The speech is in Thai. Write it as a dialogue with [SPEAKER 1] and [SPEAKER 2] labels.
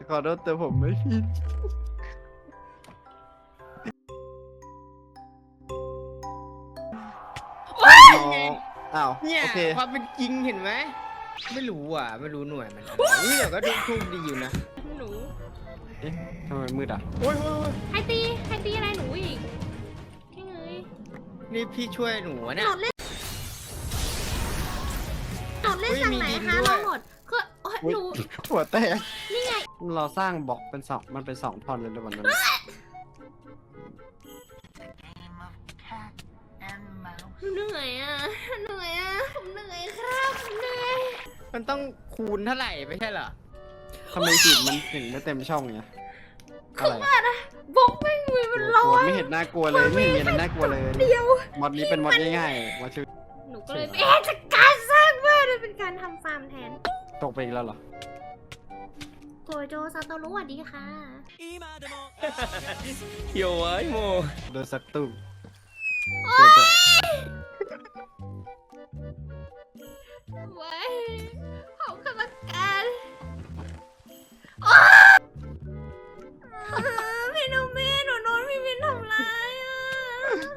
[SPEAKER 1] ขอโทษแต่ผมไม่ผิดอ้าว
[SPEAKER 2] เนี่ย
[SPEAKER 1] โอเค
[SPEAKER 2] ความเป็นจริงเห็นไหมไม่รู้อ่ะไม่รู้หน่วยมันอะไรนี่แต่ก็ดูโชคดีอยู่นะ
[SPEAKER 3] หนู
[SPEAKER 1] เอ๊ะทำไมมืดอ่ะ
[SPEAKER 2] โอ้ยโอ้ย
[SPEAKER 3] ใครตีอะไรหนูอีกแค่เงย
[SPEAKER 2] นี่พี่ช่วยหนูอะ
[SPEAKER 3] โห
[SPEAKER 2] เนี่ย
[SPEAKER 3] ลดเล่นจากไหน
[SPEAKER 2] มีดิน
[SPEAKER 3] คะ
[SPEAKER 2] ด้วย
[SPEAKER 3] เราโหลดคือโอ๊ย
[SPEAKER 1] อุ๊ย
[SPEAKER 3] หนู
[SPEAKER 1] หัวแตก
[SPEAKER 3] นี่ไง
[SPEAKER 1] เราสร้างบล็อกเป็นสองมันเป็น2 ท่อนเลยในวันนั้น
[SPEAKER 3] หนูเหนื่อยอ่ะผมเหนื่อยครับผมเหนื่อย
[SPEAKER 2] มันต้องคูณเท่าไหร่ไม่ใช่เหรอ
[SPEAKER 1] ทำไมสีมันถึงไม่เต็มช่องเนี่ยอะไร
[SPEAKER 3] บล็อกไม่มีมัน
[SPEAKER 1] ก
[SPEAKER 3] ร้อ
[SPEAKER 1] ลัวน ไม่เห็นน่ากลัวเลยไม่เห็นมีอะไรน่ากลัวเลย
[SPEAKER 3] เดียว
[SPEAKER 1] มอดนี้เป็นมอดง่ายๆมอดชื่อ
[SPEAKER 3] หนูก็เลยจัดการสร้างบ้านมันเป็นการทำฟาร์มแทน
[SPEAKER 1] ตกไปอีกแล้วเหรอ
[SPEAKER 3] โกโจซาโตรุสวัสดีค่ะ
[SPEAKER 2] เขียวไอ้โม
[SPEAKER 1] โดนสักตุ้ม
[SPEAKER 3] ว่า